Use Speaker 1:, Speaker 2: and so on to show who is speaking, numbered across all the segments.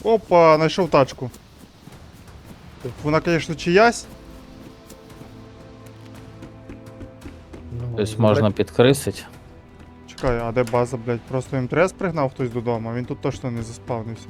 Speaker 1: Опа, знайшов тачку. Вона, звісно, чиясь.
Speaker 2: Ну,
Speaker 3: Тобто можна підкрисить.
Speaker 1: Чекай, а де база, блядь? Просто МТС пригнав хтось додому, а він тут точно не заспавнився.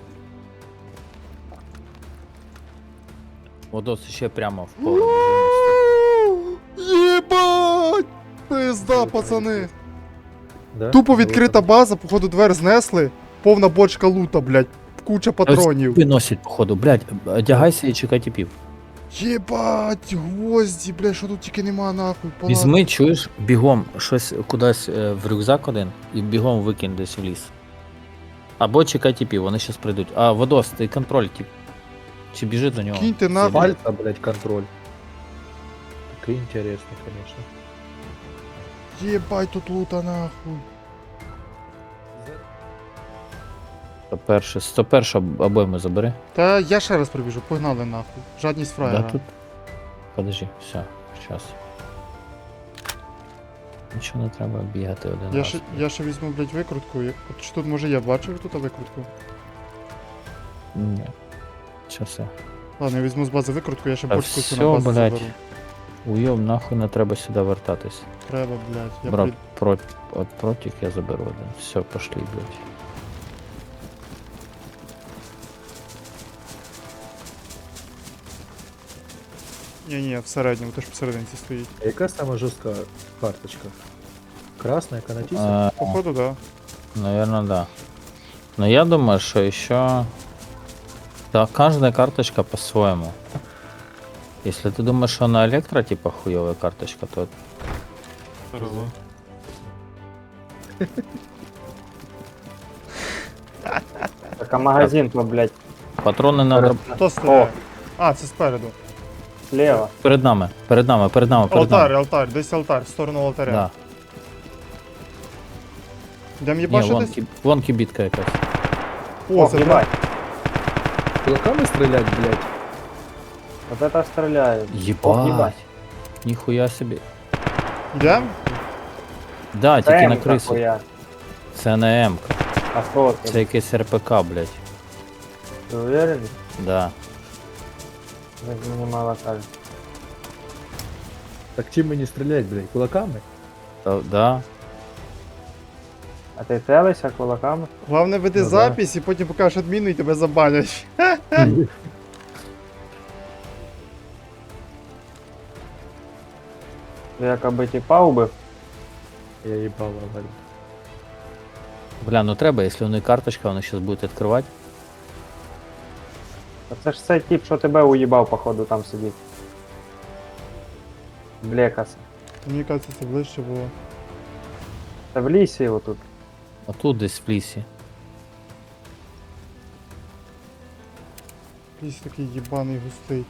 Speaker 3: Водос ще прямо в поле біжи.
Speaker 1: Єбать! Пизда, пацани.
Speaker 2: Да?
Speaker 1: Тупо відкрита база, походу двер знесли, повна бочка лута, блядь, куча патронів.
Speaker 3: Виносять, походу, блядь, одягайся і чекай тіпів.
Speaker 1: Єбать, гвозді, блядь, що тут тільки нема нахуй. палатки.
Speaker 3: Візьми, чуєш, бігом щось кудись в рюкзак один і бігом викинь десь в ліс. Або чекай тіпів, вони щас прийдуть. А, Водос, ти контроль тіп. Чи біжи до нього?
Speaker 1: Киньте нахуй.
Speaker 2: Пальца, блядь, контроль. Так интересно, конечно.
Speaker 1: Єбать, тут лута нахуй.
Speaker 3: 101 обойму забери.
Speaker 1: Та я ще раз прибіжу, погнали нахуй. Жадність фраєра.
Speaker 3: Да, тут. Подожди, все, щас. Нічого не треба бігати один раз.
Speaker 1: Я ще візьму, блядь, викрутку. От що тут може я бачив тут викрутку?
Speaker 3: Ні. Щас я.
Speaker 1: Ладно, я візьму з бази викрутку, я ще
Speaker 3: Та
Speaker 1: бочку цю
Speaker 3: всьо,
Speaker 1: на базу
Speaker 3: блядь.
Speaker 1: заберу.
Speaker 3: Уйом, нахуй не треба сюди вертатись.
Speaker 1: Треба, блядь. Я
Speaker 3: Брат, от протик я заберу один. Все, пошли, блядь.
Speaker 1: Ні, в середньому, то ж посерединці стоїть.
Speaker 2: А яка сама жорстка карточка? Красная, канатиса?
Speaker 1: Походу, да.
Speaker 3: Наверное, да. Но я думаю, что еще... Да, каждая карточка по-своему. Если ты думаешь, что на электро типа хуевая карточка, то
Speaker 4: Так, а магазин-то, блядь,
Speaker 3: патроны надо
Speaker 1: Хто стріляє? А, це спереду.
Speaker 4: слева.
Speaker 3: перед нами.
Speaker 1: Алтар, десь алтар, в сторону алтаря.
Speaker 3: Да.
Speaker 1: Йдем
Speaker 3: Не,
Speaker 1: їбашитись?
Speaker 3: вон кибитка якась.
Speaker 1: О, це
Speaker 4: ебать,
Speaker 2: Кулаками стрелять, блядь?
Speaker 4: вот это стреляет.
Speaker 3: Ебать.
Speaker 4: ебать.
Speaker 3: Нихуя себе.
Speaker 1: Йдем?
Speaker 3: Да, тільки на
Speaker 4: ТМ-ка
Speaker 3: крису.
Speaker 4: хуя.
Speaker 3: Це не М.
Speaker 4: А что ты?
Speaker 3: Це якийсь РПК, блядь.
Speaker 4: Ты уверен?
Speaker 3: Да.
Speaker 4: Так мне мало кажется.
Speaker 2: Так чим мені стрелять, блядь? Кулаками?
Speaker 3: Да.
Speaker 4: А ты целишься кулаками?
Speaker 1: Головне веди
Speaker 2: Ну да.
Speaker 1: запись і потім покажеш адміну і тебе забанять.
Speaker 4: Ты якобы типа убив?
Speaker 2: Я їбала, блядь.
Speaker 3: Бля, ну треба, якщо у них карточка, вони зараз будуть відкривати.
Speaker 4: А це ж цей тип, що тебе уїбав, походу, там сидить. Блекаса.
Speaker 1: Мені кажеться, це ближче було.
Speaker 4: Та в лісі його тут.
Speaker 3: А тут десь в лісі.
Speaker 1: Ліс такий їбаний густий.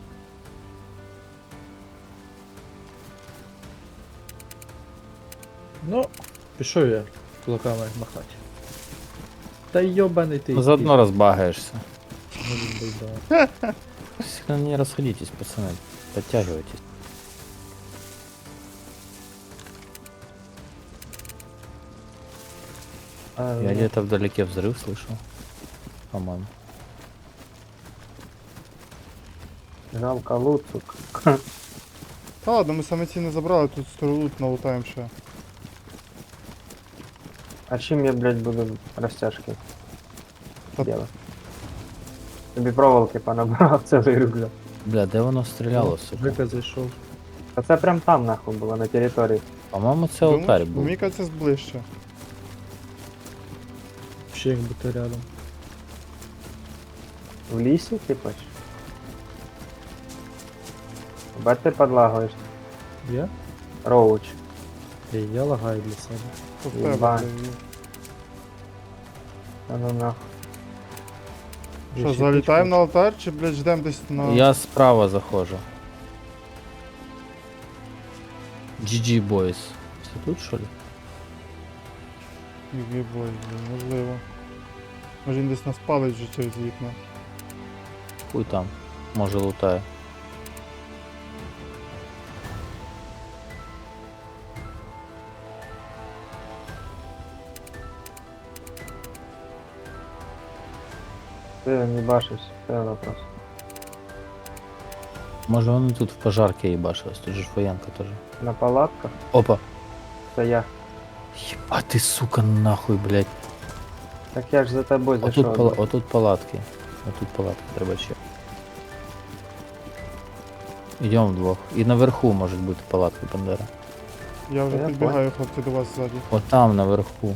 Speaker 2: Ну, пішов я кулаками махати. Та йобаний ти.
Speaker 3: Ну, заодно розбагаєшся.
Speaker 2: Может быть, да.
Speaker 3: Сильно не расходитесь, пацаны. Подтягивайтесь. Я где-то вдалеке взрыв слышал. По-моему.
Speaker 4: Жалко лут, сука.
Speaker 1: Та ладно, ми саме ці не забрали, тут сторолут налутаємо ще.
Speaker 4: А чим я, блядь, буду розтяжки
Speaker 1: Та-
Speaker 4: делать? Тобі проволоки понабрав цілий рюкзак.
Speaker 3: Бля, де воно стріляло, сука?
Speaker 2: Жека зайшов.
Speaker 4: А це прям там нахуй було, на території.
Speaker 3: По-моєму, це алтарь
Speaker 1: Думаєш?
Speaker 3: був.
Speaker 1: Мені кажеться, ближче.
Speaker 2: Ще як будто рядом.
Speaker 4: В лісі, типа? Бать ти подлагуєш.
Speaker 2: Я?
Speaker 4: Роуч.
Speaker 2: Ей, я лагаю для себе.
Speaker 1: То в тебе,
Speaker 4: Єбать.
Speaker 1: блядь.
Speaker 4: А ну нахуй.
Speaker 1: Що,
Speaker 2: Ще
Speaker 1: залітаємо на
Speaker 2: пічка.
Speaker 1: алтар чи, блядь, ждемо десь на...
Speaker 3: Я справа заходжу. GG Boys. Все тут, що ли?
Speaker 1: Єбой, блядь, можливо. Може він десь нас палить вже через вікна.
Speaker 3: Хуй там. Може лутає.
Speaker 4: Ты не башишь, это вопрос.
Speaker 3: Може вони тут в пожарке їбашились, тут же ж воєнка теж.
Speaker 4: На палатках?
Speaker 3: Опа.
Speaker 4: Це я.
Speaker 3: Єба ти, сука, нахуй, блядь.
Speaker 4: Так я ж за тобой
Speaker 3: Отут,
Speaker 4: зайшов.
Speaker 3: отут палатки. Отут палатки треба ще. Йдемо вдвох. І наверху можуть бути палатки, Бандера.
Speaker 1: Я вже
Speaker 4: Я
Speaker 1: підбігаю, хлопці, до вас ззаді.
Speaker 3: От там наверху.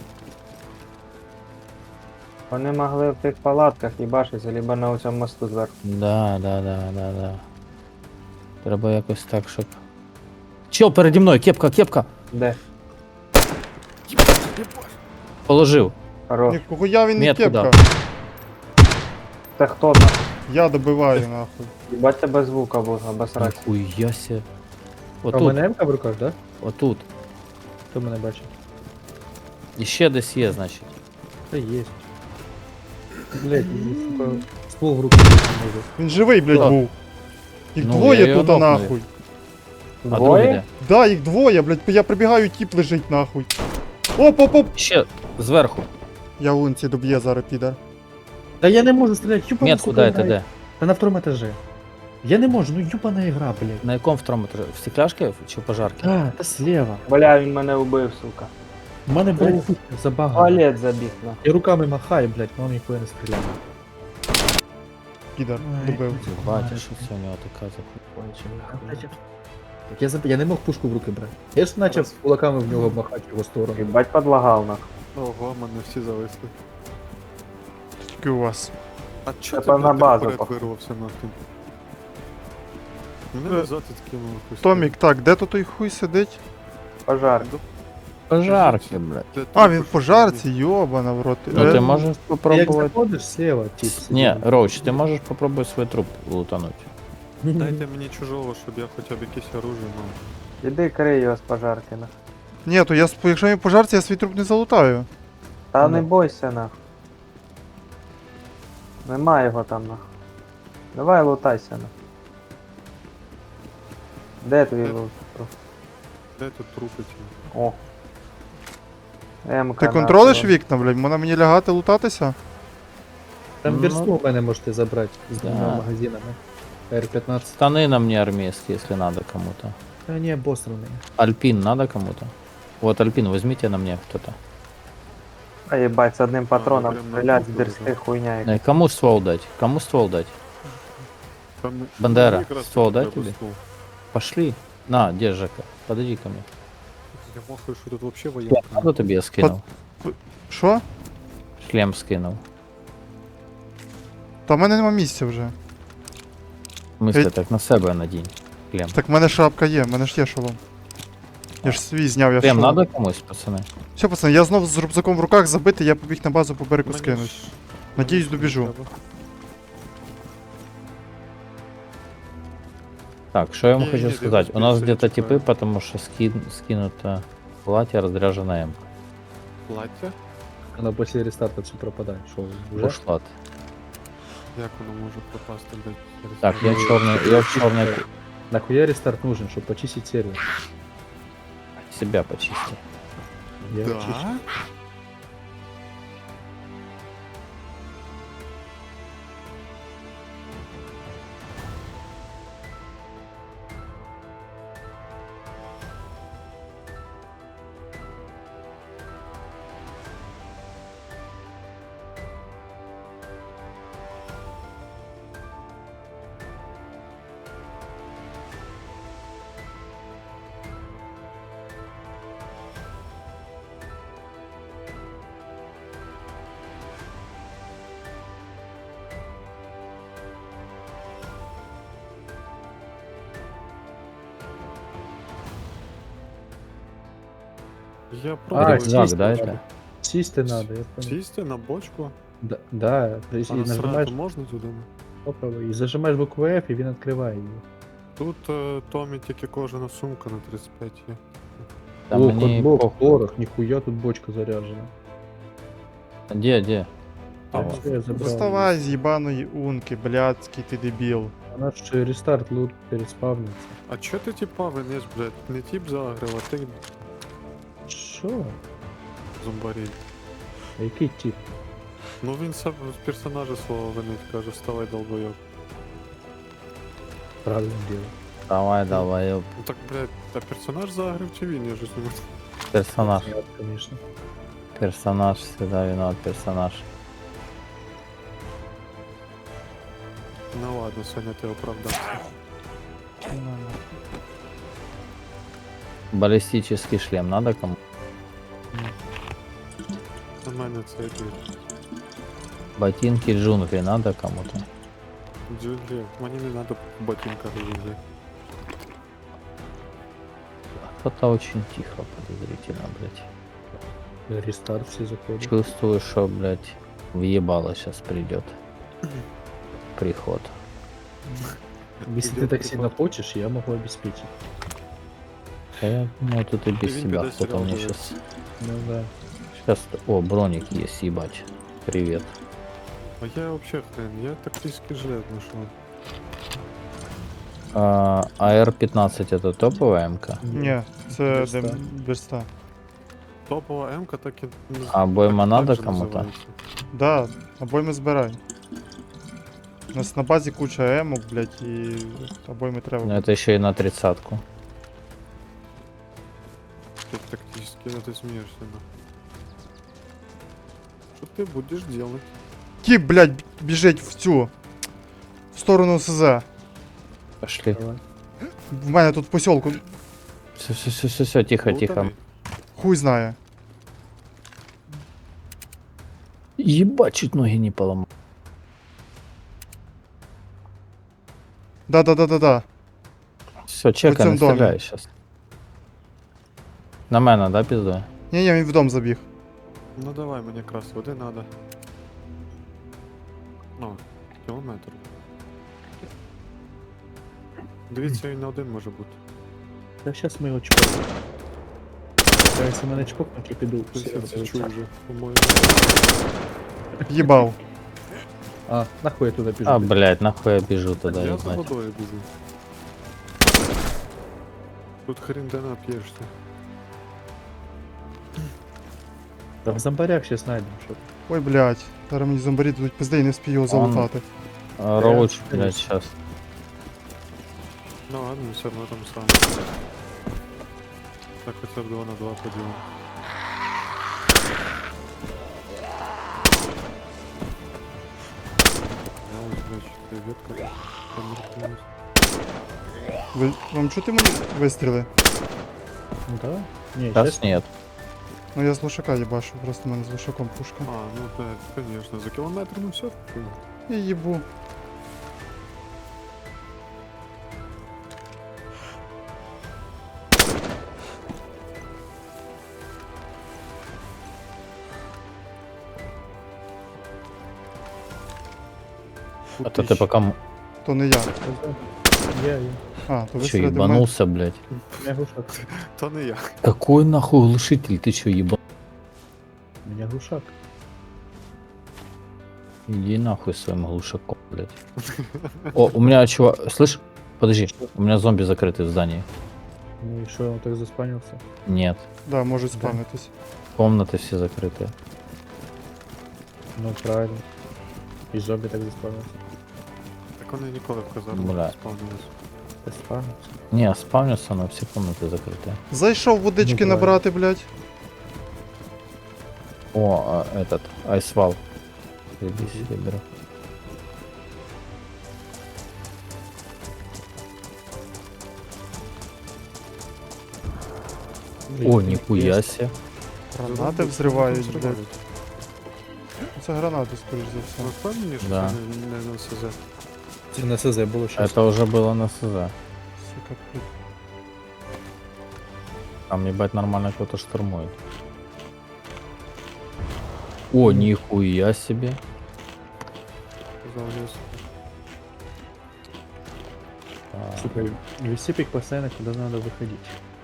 Speaker 4: Вони могли в тих палатках їбашитися, либо на цьому мосту зверху.
Speaker 3: Да. Треба якось так, щоб. Чел переді мною, кепка, кепка!
Speaker 4: Де?
Speaker 3: Положив.
Speaker 4: Хорош.
Speaker 1: Ніхуя він не
Speaker 3: Метку
Speaker 1: кепка.
Speaker 3: дав.
Speaker 4: Це хто нахуй?
Speaker 1: Я добиваю, нахуй.
Speaker 4: Їбать тебе звука був, обосрать.
Speaker 3: Ніхуя ся.
Speaker 2: А у
Speaker 3: Отут,
Speaker 2: мене МК в руках, да?
Speaker 3: отут.
Speaker 2: Хто мене бачить?
Speaker 3: І ще десь є, значить.
Speaker 2: Та є. Блять, сука, ствол в руку не можу.
Speaker 1: Він живий, блядь,
Speaker 3: Так.
Speaker 1: був. Їх
Speaker 3: Ну, я
Speaker 1: двоє
Speaker 3: його
Speaker 1: тут, а
Speaker 3: нокнув.
Speaker 1: нахуй.
Speaker 3: А другий
Speaker 4: Двоє?
Speaker 3: де?
Speaker 1: Да, їх двоє, блядь, я прибігаю, тіп лежить, нахуй. Оп.
Speaker 3: Ще зверху.
Speaker 1: Я вунці доб'є зараз, підар.
Speaker 2: Та я не можу стріляти, юбана,
Speaker 3: Метку
Speaker 2: сука,
Speaker 3: дайте
Speaker 2: грає.
Speaker 3: де.
Speaker 2: Та на втором етажі. Я не можу, ну юбана ігра, блядь.
Speaker 3: На якому второму етажі? В стекляшки чи в пожарки?
Speaker 2: А, та слева.
Speaker 4: Бля, він мене вбив, сука.
Speaker 2: У мене, блядь, забагано.
Speaker 4: Туалет забіг, на.
Speaker 2: І руками махаю, блядь, но ніхуя не стріляє.
Speaker 1: Підар,
Speaker 2: Ой.
Speaker 1: добив.
Speaker 3: Батя, що це у нього така закончена.
Speaker 2: Так я не мог пушку в руки брати. Я ж почав кулаками в нього махати в його сторону.
Speaker 4: Їбать подлагав, нахуй.
Speaker 5: Ого, мене всі зависли.
Speaker 1: Тільки у вас.
Speaker 5: А чо
Speaker 4: Це
Speaker 5: ти
Speaker 4: на
Speaker 5: блядь,
Speaker 4: базу,
Speaker 5: вперед
Speaker 4: походу.
Speaker 5: вирвався нахуй? Мене
Speaker 1: Е,
Speaker 5: назад відкинуло якось.
Speaker 1: Томік, так, де тут той хуй сидить?
Speaker 4: Пожар.
Speaker 3: Пожарки, блядь.
Speaker 5: Де
Speaker 1: А,
Speaker 5: ти
Speaker 1: він в
Speaker 5: пошов?
Speaker 1: пожарці, йобана в рот.
Speaker 3: Ну ти
Speaker 1: Е,
Speaker 3: можеш
Speaker 2: Як
Speaker 3: попробувати.
Speaker 2: заходиш слева, тип.
Speaker 3: Ні, Роуч, ти можеш попробувати свій труп лутануть.
Speaker 5: Дайте мені чужого, щоб я хоча б якесь оружие мав.
Speaker 4: Іди крий його з пожарки, нахуй.
Speaker 1: Ні, то якщо він в пожарці, я свій труп не залутаю.
Speaker 4: Та
Speaker 2: Ну.
Speaker 4: не бойся, нахуй. Нема його там, нахуй. Давай лутайся, нахуй. Де твій лут?
Speaker 5: Де тут трупи ті?
Speaker 4: О. МК.
Speaker 1: Ти контролиш вікна, блядь? Можна мені лягати лутатися?
Speaker 2: Там
Speaker 3: Ну.
Speaker 2: версту у мене можете забрати з
Speaker 3: Да.
Speaker 2: двома магазинами. R15.
Speaker 3: Штаны на мне армейские, если надо кому-то.
Speaker 2: Та ні, обосраний.
Speaker 3: Альпин надо кому-то? Вот Альпин, возьмите на мне кто-то.
Speaker 4: А їбать, з одним патроном
Speaker 5: прям на
Speaker 4: стрілять з
Speaker 5: кухню
Speaker 4: дерсти
Speaker 5: лежав.
Speaker 4: хуйня. яка.
Speaker 3: Кому ствол дать? Кому ствол дать?
Speaker 5: Там
Speaker 3: Бандера,
Speaker 5: мені якраз
Speaker 3: ствол
Speaker 5: треба
Speaker 3: дай тобі?
Speaker 5: ствол.
Speaker 3: Пошли. На, держи подойди ко мне.
Speaker 5: Я махаю, що тут вообще воєнка.
Speaker 3: Надо тебе я скинул.
Speaker 1: Що?
Speaker 3: Шлем скинул.
Speaker 1: Та в мене нема місця вже.
Speaker 3: В смысле,
Speaker 1: Ей.
Speaker 3: так на себе надень. Шлем.
Speaker 1: Так в мене шапка є, в мене ж є шолом. Я ж свій зняв, я
Speaker 3: Шлем
Speaker 1: шолом.
Speaker 3: надо комусь, пацаны?
Speaker 1: Все, пацани, я знов з рюкзаком в руках забитий, я побіг на базу по берегу
Speaker 5: Мене
Speaker 1: скинуть.
Speaker 5: ж-
Speaker 1: Надіюсь,
Speaker 5: мене
Speaker 1: добіжу.
Speaker 5: треба.
Speaker 3: Так, что я вам
Speaker 5: Не,
Speaker 3: хочу
Speaker 5: не,
Speaker 3: сказать? У нас
Speaker 5: 90
Speaker 3: где-то
Speaker 5: типа.
Speaker 3: типы, потому что скинуто платье, разряженное М.
Speaker 5: Плаття?
Speaker 2: Воно після рестарта все пропадає. Що, вже?
Speaker 3: Ушла.
Speaker 5: Як воно може пропасти, блядь? через
Speaker 3: Так, я
Speaker 5: мене?
Speaker 3: черный, я в черной
Speaker 2: Нахуя рестарт нужен, чтобы почистить сервер?
Speaker 3: себя почистил.
Speaker 2: Я
Speaker 5: Да?
Speaker 2: чищу.
Speaker 5: Я
Speaker 2: А,
Speaker 5: пробую
Speaker 3: Рюкзак,
Speaker 2: чисто
Speaker 3: да,
Speaker 2: надо.
Speaker 3: это?
Speaker 2: Сісти надо, я понял.
Speaker 5: сісти на бочку,
Speaker 2: Да,
Speaker 5: а
Speaker 2: и
Speaker 5: насрати
Speaker 2: нажимаешь,
Speaker 5: можна туди?
Speaker 2: попробуй, і зажимаєш букву F, і він відкриває її.
Speaker 5: Тут Томі тільки кожана сумка на 35 є.
Speaker 3: Там
Speaker 2: О,
Speaker 3: мне
Speaker 2: котблок,
Speaker 3: похуй.
Speaker 2: порох, ніхуя тут бочка заряджена.
Speaker 3: Где?
Speaker 5: Там
Speaker 3: О.
Speaker 2: Все, я забрав.
Speaker 1: Доставай з їбаної унки, блядський ти дебіл.
Speaker 2: Вона ж рестарт лут переспавниться.
Speaker 5: А чо ти типа виниш, блядь? Не тип загрив, а ти
Speaker 2: Що?
Speaker 5: зомбарій.
Speaker 2: А який тип?
Speaker 5: Ну він сам з персонажа свого винить, каже, вставай долбойоб.
Speaker 2: Правильно дело.
Speaker 3: Давай, долбоёб.
Speaker 5: Ну так, блядь, а персонаж загрив чи він? Я ж не можу.
Speaker 3: Персонаж.
Speaker 2: Нет, конечно.
Speaker 3: Персонаж всегда виноват, персонаж.
Speaker 5: Ну ладно, Соня, ти оправдався.
Speaker 3: Баллистический шлем надо кому?
Speaker 5: На мене це який
Speaker 3: Ботинки джунглей надо кому-то?
Speaker 5: джунглі. Мені не треба ботинка джунглі.
Speaker 3: Кто-то очень тихо, подозрительно, блядь.
Speaker 2: Рестарт все заходят.
Speaker 3: Чувствую, что, блядь, въебало сейчас придет. Приход.
Speaker 2: Если ты
Speaker 5: Идёт
Speaker 2: так
Speaker 5: приход.
Speaker 2: сильно хочешь, я могу обеспечить.
Speaker 3: Да я думаю, тут и без
Speaker 5: Ты
Speaker 3: тебя
Speaker 5: когда
Speaker 3: кто-то
Speaker 5: сериал
Speaker 3: мне
Speaker 5: делаешь?
Speaker 3: сейчас...
Speaker 2: Ну да.
Speaker 3: Сейчас... О, броник есть, ебать. Привет.
Speaker 5: А я вообще хрен, я тактический жилет нашел.
Speaker 3: АР-15 это топовая МК?
Speaker 1: Ні, це
Speaker 2: Берста.
Speaker 1: Берста.
Speaker 5: Топовая М-ка так и...
Speaker 3: А обойма
Speaker 5: так
Speaker 3: надо
Speaker 5: же
Speaker 3: кому-то?
Speaker 5: называется.
Speaker 1: Да, обойми збирай. У нас на базі куча емок, блядь, і обойми треба.
Speaker 3: Ну это еще и на 30-ку.
Speaker 5: Ты тактически, ну ты смеешься, да. Что ты будешь делать?
Speaker 1: Тіп, блядь, біжить в цю. В сторону СЗ.
Speaker 3: Пошли.
Speaker 2: Давай.
Speaker 1: В мене тут в посілку.
Speaker 3: Все, тихо, тихо.
Speaker 5: Лутаный?
Speaker 1: Хуй знає.
Speaker 3: Ебать, чуть ноги не поломал.
Speaker 1: Да.
Speaker 3: Все, чекай,
Speaker 1: цьому
Speaker 3: не
Speaker 1: домі.
Speaker 3: стріляй сейчас. На мене, да, пиздує?
Speaker 1: Ні, він в дом забіг.
Speaker 5: Ну давай, мне якраз води надо. Ну, кілометр. Дивіться, він на один може бути.
Speaker 2: Да сейчас мы его чпокнем. Да, если мы на чпокнуть, я піду.
Speaker 5: Я
Speaker 2: всі
Speaker 5: це
Speaker 2: розберуться.
Speaker 5: чую вже, по-моєму.
Speaker 1: Їбав.
Speaker 2: А, нахуй я туда бежу.
Speaker 3: А, блядь, нахуй я бежу туда,
Speaker 5: Я за
Speaker 3: ебать.
Speaker 5: водою біжу. Тут хрен де нап'єшся.
Speaker 2: Да в зомбарях сейчас найдем что-то.
Speaker 1: Ой, блядь. Зараз мені зомбарі дадуть пизди і не вспію його залутати.
Speaker 3: Роуч,
Speaker 2: Я-
Speaker 3: блядь, сейчас.
Speaker 5: Ну ладно, все одно там саме. Так хоча б 2 на 2 поділимо. Я ось, блядь, ветка. Померкнулась.
Speaker 1: Вам чути мені вистріли?
Speaker 2: Ну да. Не,
Speaker 3: Сейчас
Speaker 2: сейчас
Speaker 3: нет.
Speaker 1: Ну я з лошака їбашу, просто в мене з лошаком пушка.
Speaker 5: А, ну да, конечно, за кілометр ну все.
Speaker 1: Я їбу.
Speaker 3: А то ты пока...
Speaker 1: То не я.
Speaker 2: я.
Speaker 1: А, то
Speaker 3: Че,
Speaker 1: вистріли до мене.
Speaker 3: ебанулся, блядь?
Speaker 2: У меня глушак.
Speaker 5: То не я.
Speaker 3: Какой нахуй глушитель? Ты че, ебан?
Speaker 2: У меня глушак.
Speaker 3: Иди нахуй своим глушаком, блядь. О, у меня чувак... Слышь? Подожди, у меня зомби закрытый в здании.
Speaker 2: Ну и что, он так заспанился?
Speaker 3: Нет.
Speaker 1: Да, можуть спавнитись.
Speaker 3: Комнаты все закрытые.
Speaker 2: Ну правильно. И зомби так заспанился.
Speaker 5: Так вони ніколи в казарму
Speaker 3: Бля.
Speaker 5: не спавнились.
Speaker 2: Ты спанился.
Speaker 3: Не, спавнится, но все комнаты закрытые.
Speaker 1: Зайшов водички
Speaker 2: Ну, правильно.
Speaker 1: набрати, блядь.
Speaker 3: О, этот, айсвал. Иди себе беру. О, нихуя себе.
Speaker 1: Гранати взривають, блядь. Це гранати, скоріш за
Speaker 5: Ви
Speaker 1: все.
Speaker 5: впевнені, що
Speaker 3: Да.
Speaker 5: це не на СЗ?
Speaker 2: Ты на СЗ было сейчас.
Speaker 3: Это уже было на СЗ.
Speaker 1: Сука, блядь.
Speaker 3: Там, ебать, нормально кто-то штурмует. О, нихуя себе.
Speaker 5: Залез.
Speaker 3: А,
Speaker 2: Сука, вести пик постоянно, куда надо выходить.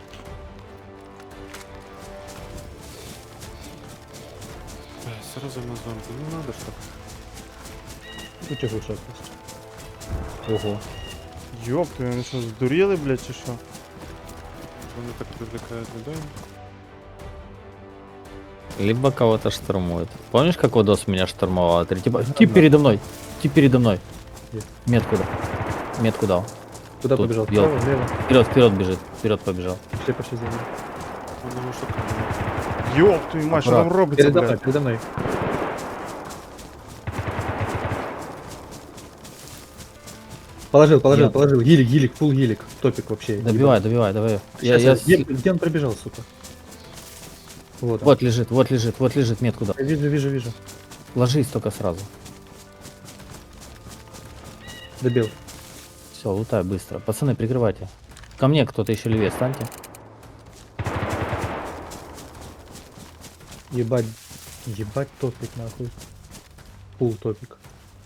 Speaker 5: Сразу на зомби. Ну надо ж так.
Speaker 2: У тебя глушак есть.
Speaker 3: Ого.
Speaker 1: Йоп, ти вони що, здуріли, блядь, чи що?
Speaker 5: Вони так привлекають людей.
Speaker 3: Либо кого-то штурмует. Помнишь, как Водос меня штурмовал? Три типа, тип передо мной, тип передо мной.
Speaker 2: Где?
Speaker 3: Метку дал. Метку дал.
Speaker 2: Куда
Speaker 3: Тут
Speaker 2: побежал?
Speaker 3: ёлка.
Speaker 2: Вправо, влево?
Speaker 3: Вперед, вперед бежит, вперед побежал.
Speaker 2: Пошли за ним.
Speaker 5: Он его шукає.
Speaker 1: Ёб твою мать, що там робиться,
Speaker 2: Передо мной,
Speaker 1: блядь?
Speaker 2: передо мной. Положил,
Speaker 3: Я-
Speaker 2: положил. Гилик, фул гилик. Топик вообще.
Speaker 3: Добивай, добивай, давай.
Speaker 2: Где он пробежал, сука? Вот он.
Speaker 3: Вот лежит, метку дал.
Speaker 2: Я вижу.
Speaker 3: Ложись только сразу.
Speaker 2: Добил.
Speaker 3: Все, лутай быстро. Пацаны, прикрывайте. Ко мне кто-то еще левее, станьте.
Speaker 2: Ебать топик нахуй. Фул топик.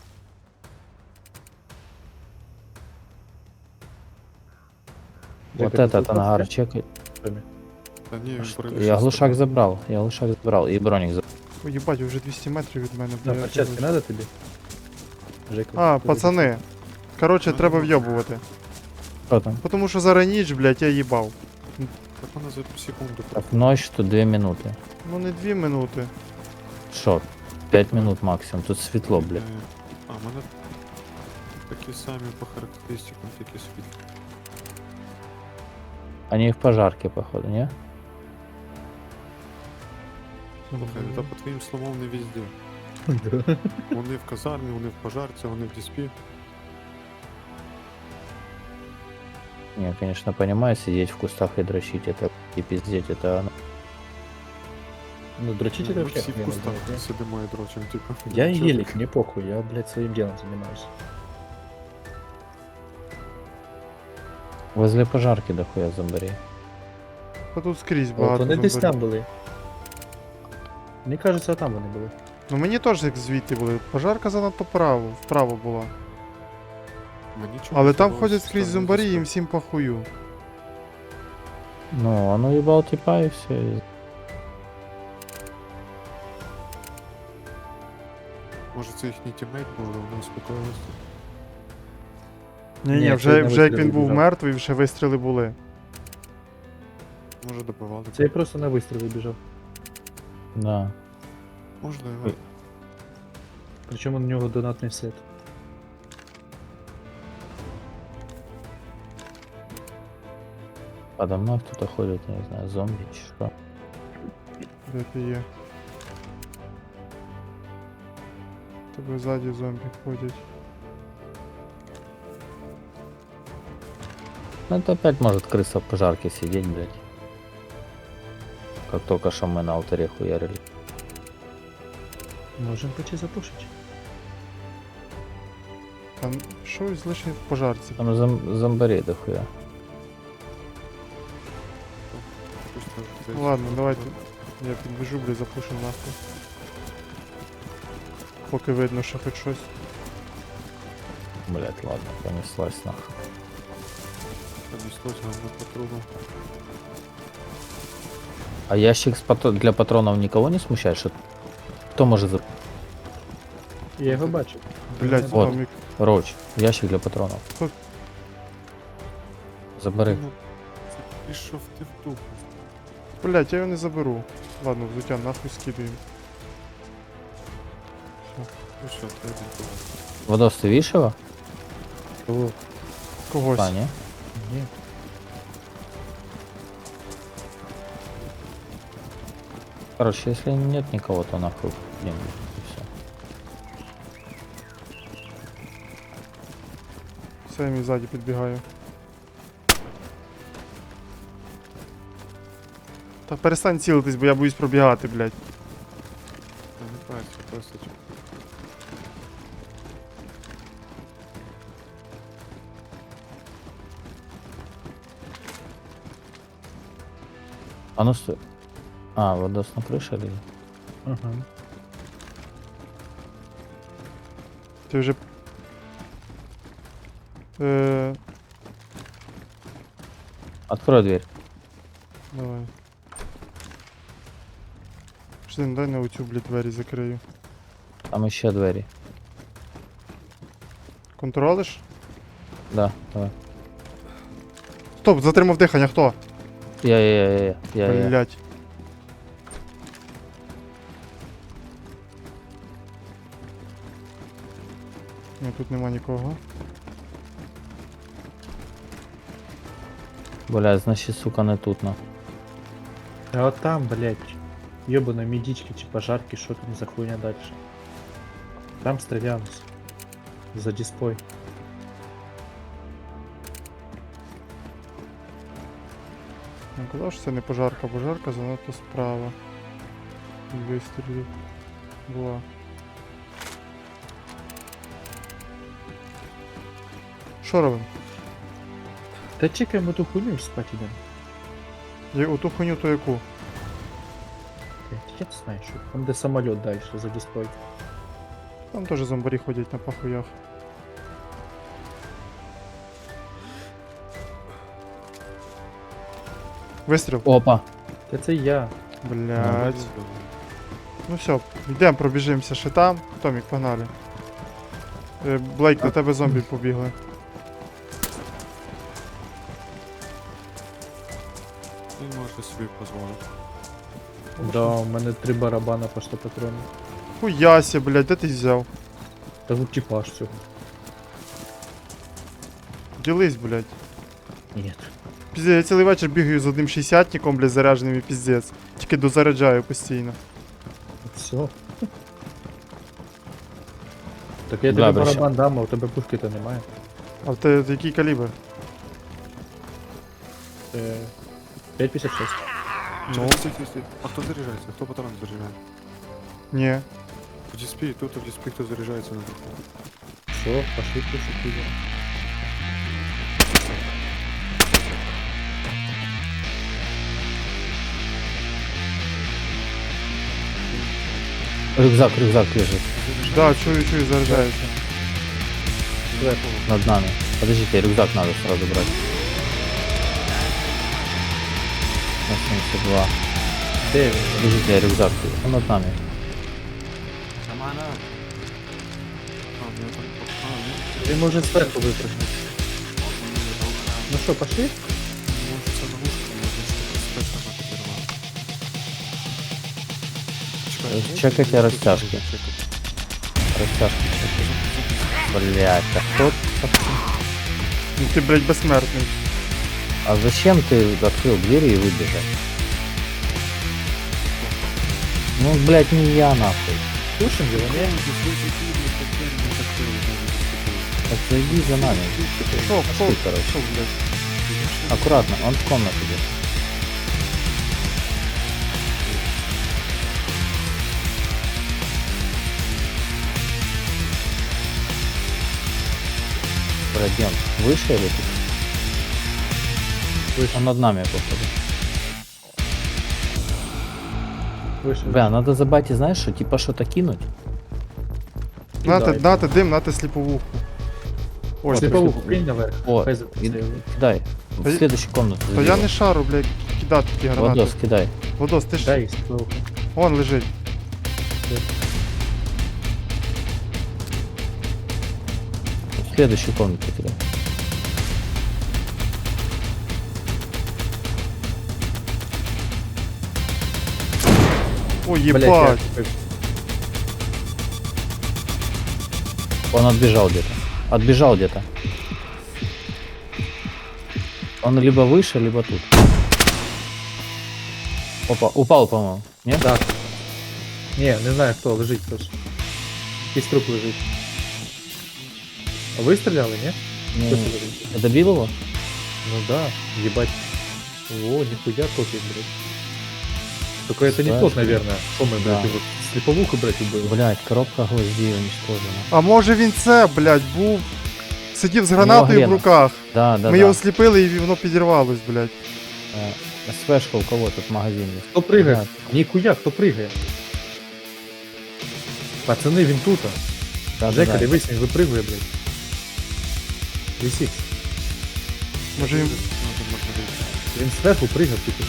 Speaker 3: Вот
Speaker 2: Чекай,
Speaker 3: этот
Speaker 2: тут
Speaker 3: ангар
Speaker 2: лутать,
Speaker 3: чекай.
Speaker 5: Та ні, він
Speaker 3: Что?
Speaker 5: броню
Speaker 3: Я
Speaker 5: щас
Speaker 3: глушак
Speaker 5: забрав.
Speaker 3: забрал. И броник забрал.
Speaker 1: Ой, їбать, вже 200 метрів від мене,
Speaker 2: Да,
Speaker 1: блядь.
Speaker 2: перчатки надо тебе? Жека,
Speaker 1: А,
Speaker 2: ты
Speaker 1: пацани. Короче, треба вйобувати.
Speaker 3: Что там?
Speaker 1: Потому що зараз ніч, блядь, я їбав.
Speaker 5: Так вона за секунду.
Speaker 3: Так, ночь, тут 2 минуты.
Speaker 1: Ну не 2 минути.
Speaker 3: Шо? 5 минут максимум. Тут светло, блядь.
Speaker 5: А, в мене такі самі по характеристикам, такі світлі.
Speaker 3: Они в пожарке, походу, не?
Speaker 5: Слухай, та по твоїм словам не везде.
Speaker 2: Да.
Speaker 5: Вони в казармі, вони в пожарці, вони в діспі.
Speaker 3: Не, конечно, понимаю, сидеть в кустах и дрочить, это и пиздеть, это оно.
Speaker 2: Ну, дрочить это
Speaker 5: Ми
Speaker 2: вообще
Speaker 5: всі в
Speaker 2: охуенно,
Speaker 5: кустах
Speaker 2: блядь.
Speaker 5: сидимо і дрочим, типу.
Speaker 2: Я
Speaker 5: Чого
Speaker 2: гелик, мне похуй, я, блядь, своим делом занимаюсь.
Speaker 3: Возле пожарки дохуя зомбарей.
Speaker 1: Та тут скрізь
Speaker 2: От
Speaker 1: багато.
Speaker 2: вони десь
Speaker 1: зомбарів.
Speaker 2: там були. Мені кажеться, там вони були.
Speaker 1: Ну мені теж як звідти були. Пожарка занадто вправо була.
Speaker 5: Мені чомусь
Speaker 1: Але там
Speaker 5: здалося,
Speaker 1: ходять
Speaker 5: що
Speaker 1: скрізь
Speaker 5: там
Speaker 1: зомбарі,
Speaker 5: десь
Speaker 1: їм
Speaker 5: так.
Speaker 1: всім похую.
Speaker 3: Ну, оно ебал типа и все.
Speaker 5: Може це їхній тіммейт був, але вони успокоїлися.
Speaker 1: Ні,
Speaker 2: Ні,
Speaker 1: вже
Speaker 2: це на
Speaker 1: як
Speaker 2: вистріли
Speaker 1: він був
Speaker 2: біжав.
Speaker 1: мертвий, вже вистріли були.
Speaker 5: Може добивали.
Speaker 2: Це я просто на вистріл біжав.
Speaker 3: Да.
Speaker 5: Можливо.
Speaker 2: Причому у нього донатний сет.
Speaker 3: Подо мной кто-то ходит, я не знаю, зомби, что.
Speaker 1: Де ти є? Тебе ззаді зомбі ходять.
Speaker 3: Ну, это опять может крыса в пожарке сидеть, блядь. Как только что мы на алтаре хуярили.
Speaker 2: Можемо почти запушити.
Speaker 1: Там щось лише в пожарці.
Speaker 3: Там зомбарей дохуя.
Speaker 5: Хтось теж
Speaker 1: Ну
Speaker 5: здається,
Speaker 1: ладно,
Speaker 5: що
Speaker 1: давайте.
Speaker 5: було.
Speaker 1: Я підбіжу, блядь, запушу нахуй. Поки видно, що хоч щось.
Speaker 3: Блять, ладно, понеслась нахуй.
Speaker 5: Понеслось говно по трубам.
Speaker 3: А ящик для патронов никого не смущает, что кто может за...
Speaker 2: Я його бачив.
Speaker 1: Блядь,
Speaker 3: Вот.
Speaker 1: Томік.
Speaker 3: Роч, ящик для патронов.
Speaker 1: Тут.
Speaker 3: Забери.
Speaker 5: Ну, пішов ти в дупу.
Speaker 1: Блядь, я його не заберу. Ладно, взуття нахуй скидуємо.
Speaker 5: Ну що, треба було.
Speaker 3: Водос, ты видишь его?
Speaker 2: Кого?
Speaker 1: Когось.
Speaker 3: А, не?
Speaker 2: Ні.
Speaker 3: Короче, если нет никого, то нахуй деньги. И все.
Speaker 1: Все, я мій ззаді підбігаю. Та перестань цілитись, бо я боюсь пробігати, блядь.
Speaker 5: Та не працює, просто чого.
Speaker 3: А ну стой. А, Водос на крыше или?
Speaker 2: Ага.
Speaker 1: Ти вже.
Speaker 3: Открой дверь.
Speaker 1: Давай. Ждин, дай на оцю, блядь, двері закрию.
Speaker 3: Там еще двери.
Speaker 1: Контролиш?
Speaker 3: Да, давай.
Speaker 1: Стоп, затримав дихання, хто?
Speaker 3: Я.
Speaker 1: Блядь. Ні, тут нема нікого.
Speaker 3: Блядь, значить, сука, не тут, на.
Speaker 2: А от там, блядь, ёбаные медички чи пожарки, що там за хуйня дальше. Там стрілялись. За диспой.
Speaker 1: Я казав, що це не пожарка, пожарка занадто справа. І вистрілів була. Що робимо?
Speaker 2: Та чекаємо ту хуйню і спать ідемо.
Speaker 1: У ту хуйню то яку?
Speaker 2: Блядь, я не знаю, що. Там де самоліт далі, за диспой.
Speaker 1: Там теж зомбарі ходять на пахуях. Вистріл.
Speaker 3: Опа.
Speaker 2: Та це я.
Speaker 1: Блять. Ну все, йдемо, пробіжимося ще там. Томік, погнали. Блейк, на тебе зомбі побігли.
Speaker 5: Він може собі дозволити.
Speaker 2: Да, у мене 3 барабана по 100 патронів.
Speaker 1: Хуяся, блять, де ти взяв?
Speaker 2: Та тут типаж цього.
Speaker 1: Ділись, блять.
Speaker 2: Ні.
Speaker 1: Піздець, я цілий вечір бігаю з одним 60-ником, блядь, зарядженим і піздець. Тільки дозаряджаю постійно.
Speaker 2: Все. Так я
Speaker 3: Да,
Speaker 2: тобі
Speaker 3: більше.
Speaker 2: барабан дам, а у тебе пушки-то немає.
Speaker 1: А в тебе який калібр?
Speaker 2: 5,56.
Speaker 5: Ну, стій. А хто заряджається? Хто патрон заряджає?
Speaker 1: Ні.
Speaker 5: В діспі, тут в діспі хто заряджається на даху.
Speaker 2: Все, пошли пушки.
Speaker 3: Рюкзак лежит
Speaker 1: Да, чую, заряджається.
Speaker 3: над нами. Подождите, рюкзак надо сразу брать. На 72.
Speaker 2: Де він?
Speaker 3: Подождите, рюкзак. Он над нами.
Speaker 5: Шамана! А, у мене там... А, ні.
Speaker 2: Він може зверху випрыгнути. Ну що, пошли?
Speaker 5: Може це ловушка, може це спецназа підірвала.
Speaker 3: Чекайте растяжки. Растяжки чекайте. Блять, а кто?
Speaker 1: Ну ти, блядь, безсмертний.
Speaker 3: А зачем ты открыл двери и выбежал? Ну, блять, не я нахуй.
Speaker 2: Пушим його, ні?
Speaker 3: Так зайди за нами.
Speaker 1: Шо,
Speaker 3: Пошли, короче.
Speaker 1: Шо, блядь.
Speaker 3: Аккуратно, он в комнату идет. Пройдем. Выше или тут?
Speaker 2: Выше.
Speaker 3: Он над нами, походу.
Speaker 2: Вийшов.
Speaker 3: Бля, надо забать, знаешь, что типа что-то кинуть.
Speaker 1: Нате дим, нате сліповуху. Ой,
Speaker 2: Сліповуху кинь наверх.
Speaker 3: О,
Speaker 2: Хай
Speaker 3: и-
Speaker 2: запустив.
Speaker 3: кидай.
Speaker 1: Да
Speaker 3: В
Speaker 1: я-
Speaker 3: следующую комнату.
Speaker 1: то я
Speaker 3: забегай.
Speaker 1: не шару, блядь, кидати ті гранати.
Speaker 3: Водос, кидай.
Speaker 1: Водос, ти ж...
Speaker 2: Дай сліповуху.
Speaker 1: Вон лежить.
Speaker 3: В следующую комнату кидай.
Speaker 1: Ой,
Speaker 2: Блядь,
Speaker 1: єбать.
Speaker 2: я-
Speaker 3: Он отбежал где-то. Отбежал где-то. Он либо выше, либо тут. Опа, упал, по-моему. Нет?
Speaker 2: Так. Ні, не знаю хто, лежить хтось. Якийсь труп лежить. А ви стріляли, ні?
Speaker 3: Не,
Speaker 2: Хто це лежить?
Speaker 3: Ты добил его?
Speaker 2: Ну да, ебать. О, нихуя копии, блядь. Только это не тот,
Speaker 3: Страшно.
Speaker 2: наверное. Что мы, блядь,
Speaker 3: Да.
Speaker 2: его слеповуху, блядь, убили?
Speaker 3: Блять, коробка гвоздей уничтожена.
Speaker 1: А може він це, блядь, був... Сидів з гранатою в
Speaker 3: грена.
Speaker 1: руках.
Speaker 3: Да, да,
Speaker 1: Ми
Speaker 3: да.
Speaker 1: його сліпили і воно підірвалось, блядь.
Speaker 3: СВшка у кого тут магазин есть?
Speaker 2: Кто прыгает?
Speaker 3: Да.
Speaker 2: Нихуя, кто прыгает? Пацаны, він тут.
Speaker 3: Да,
Speaker 2: Жека,
Speaker 3: да, да.
Speaker 2: дивись, він випригує, блядь. Висить.
Speaker 1: Може він...
Speaker 2: Він зверху пригав, типу.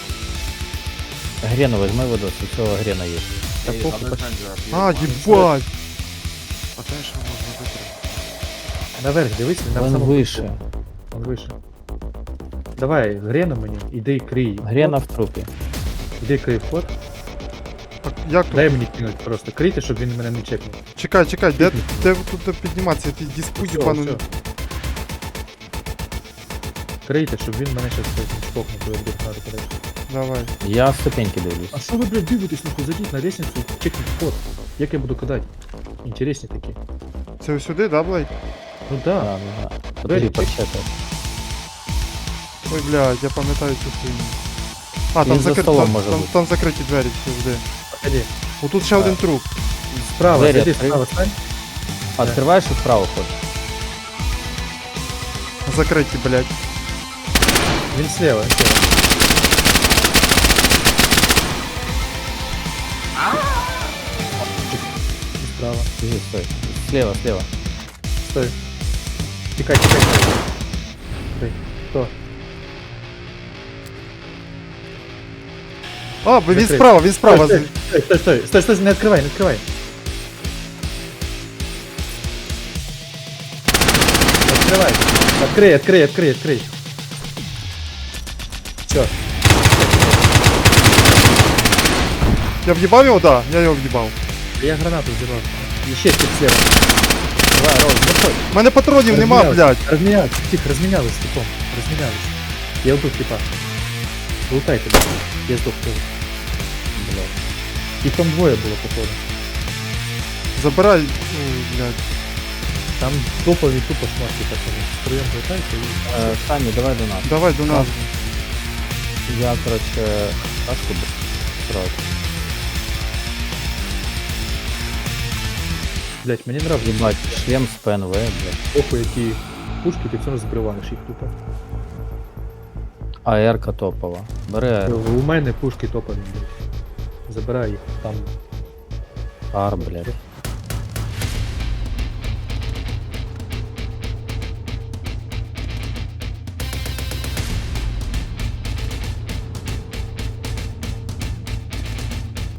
Speaker 3: Грену возьми водос, у цього грена есть.
Speaker 2: Та похуй,
Speaker 1: А, їбать.
Speaker 5: А те, що можна витримати.
Speaker 2: наверх, дивись, він на
Speaker 3: Он
Speaker 2: самому
Speaker 3: выше.
Speaker 2: верху. Он выше. Давай, Грена мені, іди крий.
Speaker 3: Грена в трупе.
Speaker 2: Іди крий вход.
Speaker 1: Як тут?
Speaker 2: Дай мені кинуть просто. Крийте, щоб він мене не чекнув.
Speaker 1: Чекай, чекай, де тут підніматися? Ти диспу
Speaker 2: Всьо,
Speaker 1: єбану.
Speaker 2: всьо. Крийте, щоб він мене щас не чпокнув, коли я буду гнати подальше.
Speaker 1: Давай.
Speaker 3: Я ступеньки дивлюсь.
Speaker 2: А що ви, блядь, дивитесь, нахуй, зайдіть на лестницю і чекніть вход. Як я буду кидати? Інтересні такі.
Speaker 1: Це ось сюди, да, Блейк?
Speaker 2: Ну да.
Speaker 3: Да, да. Подожди,
Speaker 2: Двері
Speaker 3: почекай.
Speaker 1: Ой, блядь, я пам'ятаю цю хуйню. А,
Speaker 3: Він
Speaker 1: там,
Speaker 3: за
Speaker 1: закри...
Speaker 3: столом
Speaker 1: там,
Speaker 3: може
Speaker 1: там,
Speaker 3: бути.
Speaker 1: там закриті двері, завжди.
Speaker 2: Ходи.
Speaker 1: Отут ще один труп.
Speaker 2: Справа,
Speaker 3: Двері
Speaker 2: зайди,
Speaker 3: відкрий.
Speaker 2: справа стань.
Speaker 3: Открываешь и вправо ходишь.
Speaker 1: Закриті, блядь.
Speaker 2: Він слева, слева. І справа.
Speaker 3: Иди, стой. Слева, слева.
Speaker 2: Стой. Тікай, тікай, тікай. Стой. Хто?
Speaker 1: А, він
Speaker 2: Закритий.
Speaker 1: справа, він справа.
Speaker 2: Стой, стой, стой, стой, стой, не відкривай, не відкривай. Открывай. Открой, открой, открой, открой. Все.
Speaker 1: Я в'їбав його, да, я його в'їбав.
Speaker 2: Я гранату взяла. Еще тип слева.
Speaker 3: Давай, Ролл, заходь.
Speaker 1: У мене патронів нема, блядь.
Speaker 2: Разменялись. Тихо, разменялись, типом. Разменялись. Я убил типа. Лутайте, блядь. Я сдох тоже. Блядь. Их там двое было, походу.
Speaker 1: Забирай. Ой, блядь.
Speaker 2: Там топовые тупо шматки пацаны. Втроем лутайте и...
Speaker 3: Сами, давай до нас.
Speaker 1: Давай до нас.
Speaker 3: Я, короче, кашку сразу.
Speaker 2: Блядь, мне нравится.
Speaker 3: Ебать, шлем с ПНВ, блядь.
Speaker 2: Похуй, які пушки, ти все одно збриваєш їх тупо.
Speaker 3: АР-ка топова. Бери АР.
Speaker 2: У мене пушки топові, блядь. Забирай їх, там
Speaker 3: Ар, блядь.